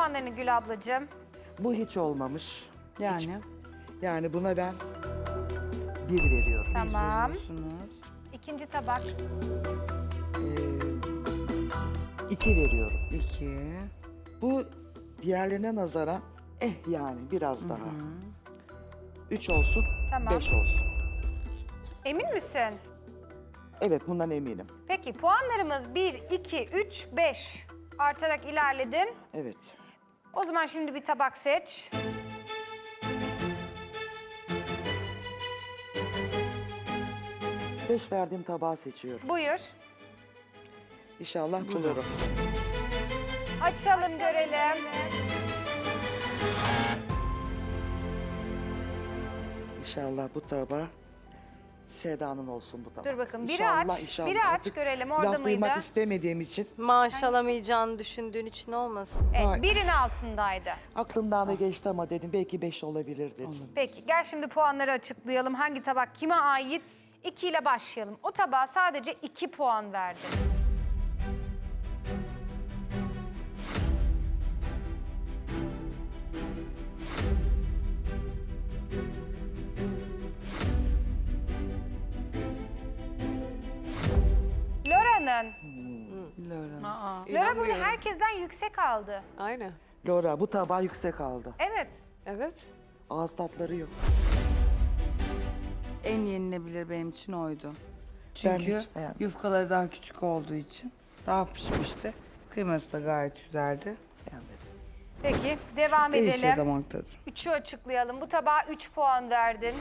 puanlarını Gül ablacığım. Bu hiç olmamış. Yani. Yani buna ben 1 veriyorum. Tamam. Veriyorsunuz. İkinci tabak. 2 veriyorum. 2. Bu diğerlerine nazaran yani biraz daha. 3 olsun, Tamam. 5 olsun. Emin misin? Evet, bundan eminim. Peki puanlarımız 1, 2, 3, 5 artarak ilerledin. Evet. O zaman şimdi bir tabak seç. Beş verdiğim tabağı seçiyorum. Buyur. İnşallah bulurum. Açalım görelim. İnşallah bu tabağı Seda'nın olsun bu tabak. Dur bakın, biri İnşallah, aç, inşallah. biri aç Artık görelim, orada laf duymak mıydı? istemediğim için Maaş alamayacağını düşündüğün için olmasın. Evet, Ay. birin altındaydı. aklımdan da geçti ama dedim belki 5 olabilir dedim. Peki gel şimdi puanları açıklayalım. Hangi tabak kime ait? 2 ile başlayalım. O tabağa sadece 2 puan verdi. Lora'nın. Laura. Lora bunu herkesten yüksek aldı. Aynen. Laura bu tabağı yüksek aldı. Evet. Evet. Ağız tatları yok. En yenilebilir benim için oydu. Ben Çünkü hiç beğenmedim. yufkaları daha küçük olduğu için daha pişmişti. Kıyması da gayet güzeldi. Beğenmedim. Peki devam Değişiyor edelim. damak tadı. 3'ü açıklayalım. Bu tabağa 3 puan verdin.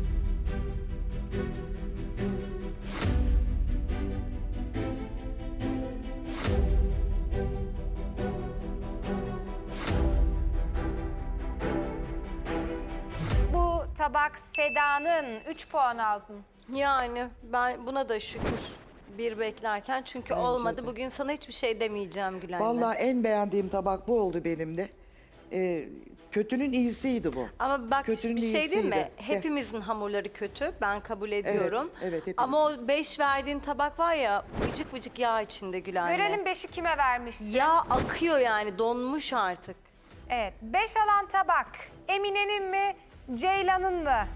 Bu tabak Seda'nın 3 puan aldın. Yani ben buna da şükür bir beklerken çünkü Bence olmadı. de. Bugün sana hiçbir şey demeyeceğim Gülen'le. Vallahi en beğendiğim tabak bu oldu benim de. Kötünün iyisiydi bu. Ama bak Kötünün bir şey değil mi? iyisiydi. Hepimizin hamurları kötü. Ben kabul ediyorum. evet, hepimizin. Ama o 5 verdiğin tabak var ya vıcık vıcık yağ içinde Gülen'le. Görelim 5'i kime vermişsin? Yağ akıyor yani donmuş artık. Evet. 5 alan tabak. Emine'nin mi? Ceylan'ın mı?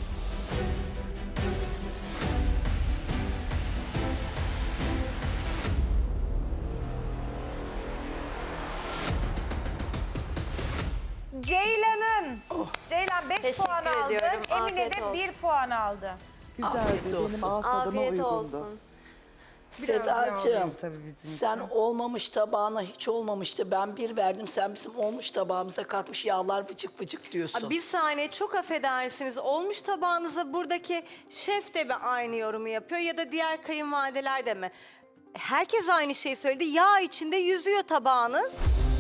Ceylan'ın. Ceylan 5 Teşekkür puan aldı. ediyorum. Emine Afiyet de olsun. 1 puan aldı. Güzeldi. Benim ağız tadıma Afiyet uygundu. olsun. Sedacığım, Sedacığım, tabii bizim sen olmamış tabağına hiç olmamıştı. Ben 1 verdim, sen bizim olmuş tabağımıza kalkmış yağlar vıcık vıcık diyorsun. Bir saniye çok affedersiniz. Olmuş tabağınıza buradaki şef de mi aynı yorumu yapıyor ya da diğer kayınvalideler de mi? Herkes aynı şeyi söyledi. Yağ içinde yüzüyor tabağınız.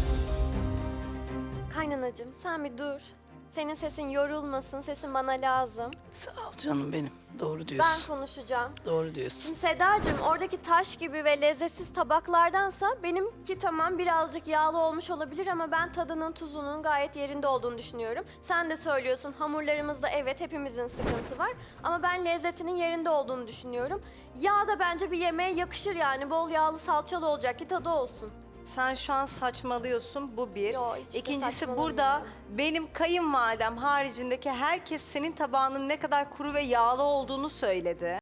Kaynanacığım sen bir dur. Senin sesin yorulmasın, sesin bana lazım. Sağ ol canım benim. Doğru Ben diyorsun. konuşacağım. Doğru diyorsun. Şimdi Sedacığım oradaki taş gibi ve lezzetsiz tabaklardansa benimki tamam birazcık yağlı olmuş olabilir ama ben tadının tuzunun gayet yerinde olduğunu düşünüyorum. Sen de söylüyorsun hamurlarımızda evet hepimizin sıkıntı var ama ben lezzetinin yerinde olduğunu düşünüyorum. Yağ da bence bir yemeğe yakışır yani bol yağlı salçalı olacak ki tadı olsun. Sen şu an saçmalıyorsun, bu bir. Yo, hiç de İkincisi saçmalamıyorum. burada benim kayınvalidem haricindeki herkes senin tabağının ne kadar kuru ve yağlı olduğunu söyledi.